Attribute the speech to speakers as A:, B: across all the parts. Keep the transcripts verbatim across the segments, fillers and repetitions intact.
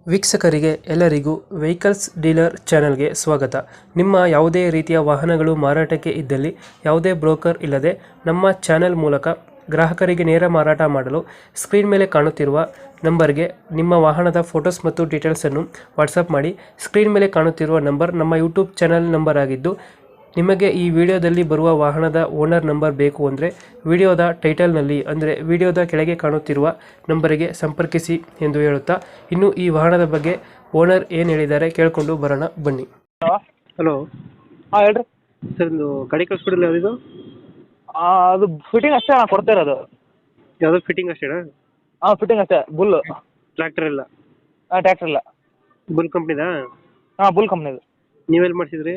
A: ವೀಕ್ಷಕರಿಗೆ ಎಲ್ಲರಿಗೂ vehicles dealer ಚಾನೆಲ್ಗೆ ಸ್ವಾಗತ. ನಿಮ್ಮ ಯಾವುದೇ ರೀತಿಯ ವಾಹನಗಳು ಮಾರಾಟಕ್ಕೆ ಇದ್ದಲ್ಲಿ ಯಾವುದೇ ಬ್ರೋಕರ್ ಇಲ್ಲದೆ ನಮ್ಮ ಚಾನೆಲ್ ಮೂಲಕ ಗ್ರಾಹಕರಿಗೆ ನೇರ ಮಾರಾಟ ಮಾಡಲು ಸ್ಕ್ರೀನ್ ಮೇಲೆ ಕಾಣುತ್ತಿರುವ ನಂಬರ್ಗೆ ನಿಮ್ಮ ವಾಹನದ ಫೋಟೋಸ್ ಮತ್ತು ಡೀಟೇಲ್ಸನ್ನು ವಾಟ್ಸಪ್ ಮಾಡಿ. ಸ್ಕ್ರೀನ್ ಮೇಲೆ ಕಾಣುತ್ತಿರುವ ನಂಬರ್ ನಮ್ಮ ಯೂಟ್ಯೂಬ್ ಚಾನೆಲ್ ನಂಬರ್ ಆಗಿದ್ದು, ನಿಮಗೆ ಈ ವಿಡಿಯೋದಲ್ಲಿ ಬರುವ ವಾಹನದ ಓನರ್ ನಂಬರ್ ಬೇಕು ಅಂದರೆ ವಿಡಿಯೋದ ಟೈಟಲ್ನಲ್ಲಿ ಅಂದರೆ ವಿಡಿಯೋದ ಕೆಳಗೆ ಕಾಣುತ್ತಿರುವ ನಂಬರಿಗೆ ಸಂಪರ್ಕಿಸಿ ಎಂದು ಹೇಳುತ್ತಾ, ಇನ್ನು ಈ ವಾಹನದ ಬಗ್ಗೆ ಓನರ್ ಏನು ಹೇಳಿದ್ದಾರೆ ಕೇಳಿಕೊಂಡು ಬರೋಣ ಬನ್ನಿ.
B: ಹಲೋ
A: ಹಲೋ
B: ಹಾಂ ಹೇಳ್ರಿ.
A: ಸರ್, ಒಂದು ಗಾಡಿ ಕಳಿಸ್ಬಿಡಿಲ್ಲ ಯಾವುದು?
B: ಅದು ಫಿಟ್ಟಿಂಗ್ ಅಷ್ಟೇ ನಾನು ಕೊಡ್ತಾ ಇರೋದು.
A: ಯಾವುದೋ ಫಿಟ್ಟಿಂಗ್ ಅಷ್ಟೇನಾ?
B: ಹಾಂ ಫಿಟ್ಟಿಂಗ್ ಅಷ್ಟೇ. ಬುಲ್
A: ಟ್ರ್ಯಾಕ್ಟರ್ ಇಲ್ಲ?
B: ಹಾಂ ಟ್ಯಾಕ್ಟ್ರ್ ಇಲ್ಲ.
A: ಬುಲ್ ಕಂಪ್ನಿದಾ?
B: ಹಾಂ ಬುಲ್ ಕಂಪ್ನಿದು.
A: ನೀವೆಲ್ಲಿ ಮಾಡಿಸಿದ್ರಿ?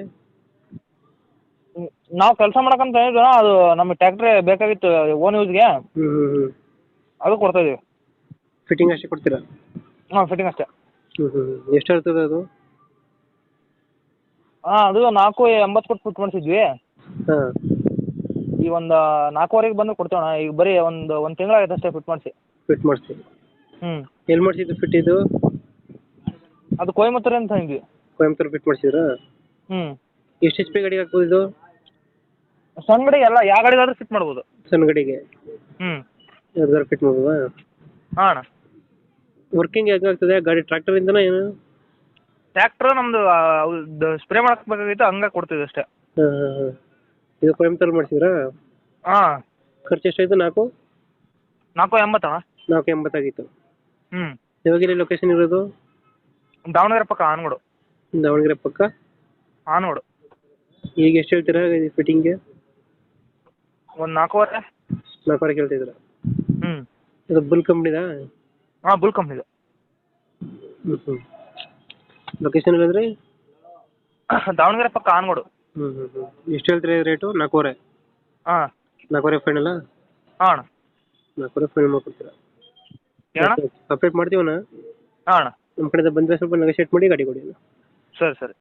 B: ನಾವು ಕೆಲಸ ಮಾಡಕ್ಕಂತ ಹೇಳಿದ್ವಿ, ಅದು ನಮಗೆ ಟ್ಯಾಕ್ಟ್ರೇ ಬೇಕಾಗಿತ್ತು ಓನ್ ಯೂಸ್ಗೆ,
A: ಹ್ಞೂ ಹ್ಞೂ ಹ್ಞೂ
B: ಅದು ಕೊಡ್ತಾ ಇದೀವಿ.
A: ಫಿಟ್ಟಿಂಗ್ ಅಷ್ಟೇ ಕೊಡ್ತೀರಾ?
B: ಹಾಂ ಫಿಟ್ಟಿಂಗ್ ಅಷ್ಟೇ.
A: ಹ್ಞೂ ಹ್ಞೂ ಎಷ್ಟು ಇರ್ತದೆ ಅದು?
B: ಹಾಂ ಅದು ನಾಲ್ಕು ಎಂಬತ್ತು ಕೊಟ್ಟು ಫಿಟ್ ಮಾಡಿಸಿದ್ವಿ.
A: ಹಾಂ,
B: ಈ ಒಂದು ನಾಲ್ಕುವರೆಗೆ ಬಂದು ಕೊಡ್ತೇವಣ್ಣ. ಈಗ ಬರೀ ಒಂದು ಒಂದು ತಿಂಗಳಾಗೈತೆ ಅಷ್ಟೇ ಫಿಟ್ ಮಾಡಿಸಿ.
A: ಫಿಟ್ ಮಾಡಿಸ್ತೀವಿ.
B: ಹ್ಞೂ
A: ಎಲ್ಲಿ ಮಾಡಿಸಿದ್ದು ಫಿಟ್ ಇದು?
B: ಅದು ಕೊಯಮತ್ತೂರು ಅಂತ ಹಿಂಗೆ.
A: ಕೊಯಂಬತ್ತೂರು ಫಿಟ್ ಮಾಡಿಸಿದ್ರಾ?
B: ಹ್ಞೂ
A: ಎಷ್ಟು ಎಚ್ ಪಿ ಗಾಡಿಗೆ ಹಾಕ್ಬೋದು ಇದು?
B: ಸಣ್ಣ ಗಾಡಿಗೆ ಎಲ್ಲ ಯಾವ ಗಾಡಿಗಾದ್ರೂ ಫಿಟ್ ಮಾಡ್ಬೋದು.
A: ಸಣ್ಣ ಗಾಡಿಗೆ
B: ಹ್ಞೂ
A: ಯಾವ್ದಾರು ಫಿಟ್ ಮಾಡ್ಬೋದಾ?
B: ಹಾಂ ಅಣ್ಣ.
A: ವರ್ಕಿಂಗ್ ಹೆಂಗಾಗ್ತದೆ ಗಾಡಿ? ಟ್ರ್ಯಾಕ್ಟರಿಂದನಾ ಏನು?
B: ಟ್ಯಾಕ್ಟ್ರ್ ನಮ್ಮದು ಸ್ಪ್ರೇ ಮಾಡಕ್ಕೆ ಬೇಕಾಗಿತ್ತು, ಹಂಗೆ ಕೊಡ್ತೀವಿ ಅಷ್ಟೇ.
A: ಹಾಂ ಹಾಂ ಹಾಂ ಇದು ಕೊಯಂಬತ್ತೂರು ಮಾಡಿಸಿದ್ರಾ?
B: ಹಾಂ
A: ಖರ್ಚು ಎಷ್ಟಾಯಿತು? ನಾಲ್ಕು
B: ನಾಲ್ಕು ಎಂಬತ್ತಣ್ಣ.
A: ನಾಲ್ಕು ಎಂಬತ್ತಾಗಿತ್ತು.
B: ಹ್ಞೂ
A: ಯಾವಾಗೆಲ್ಲಿ ಲೊಕೇಶನ್ ಇರೋದು?
B: ದಾವಣಗೆರೆ ಪಕ್ಕ ಆನಗೋಡು.
A: ದಾವಣಗೆರೆ ಪಕ್ಕ
B: ಆನಗೋಡು.
A: ಈಗ ಎಷ್ಟು ಹೇಳ್ತೀರಾ ಫಿಟ್ಟಿಂಗ್ಗೆ?
B: ಒಂದು ನಾಲ್ಕೂವರೆ.
A: ನಾಲ್ಕುವರೆ ಕೇಳ್ತಿದ್ದೀರಾ?
B: ಹ್ಞೂ
A: ಇದು ಬುಲ್ ಕಂಪ್ನಿದಾ?
B: ಹಾಂ ಬುಲ್ ಕಂಪ್ನಿದು.
A: ಹ್ಞೂ ಹ್ಞೂ ಲೊಕೇಶನ್ ಇಲ್ಲಂದ್ರೆ?
B: ದಾವಣಗೆರೆ ಪಕ್ಕ ಆನಗೋಡು.
A: ಹ್ಞೂ ಹ್ಞೂ ಹ್ಞೂ ಎಷ್ಟು ಹೇಳ್ತೀರಾ ರೇಟು? ನಾಲ್ಕೂವರೆ?
B: ಹಾಂ
A: ನಾಲ್ಕೂವರೆ ಫೈನಲ್ಲ?
B: ಹಾಂ ಅಣ್ಣ.
A: ನಾಲ್ಕೂವರೆ ಫೈನಲ್ ಮಾಡ್ಕೊಡ್ತೀರಾ?
B: ಏನಣ್ಣ?
A: ಸಪ್ರೇಟ್ ಮಾಡ್ತೀವಣ್ಣ.
B: ಹಾಂ ಅಣ್ಣ.
A: ನಮ್ಮ ಕಡೆಯಿಂದ ಬಂದರೆ ಸ್ವಲ್ಪ ನೆಗೋಶಿಯೇಟ್ ಮಾಡಿ ಗಾಡಿ ಕೊಡಿ.
B: ಸರಿ ಸರಿ.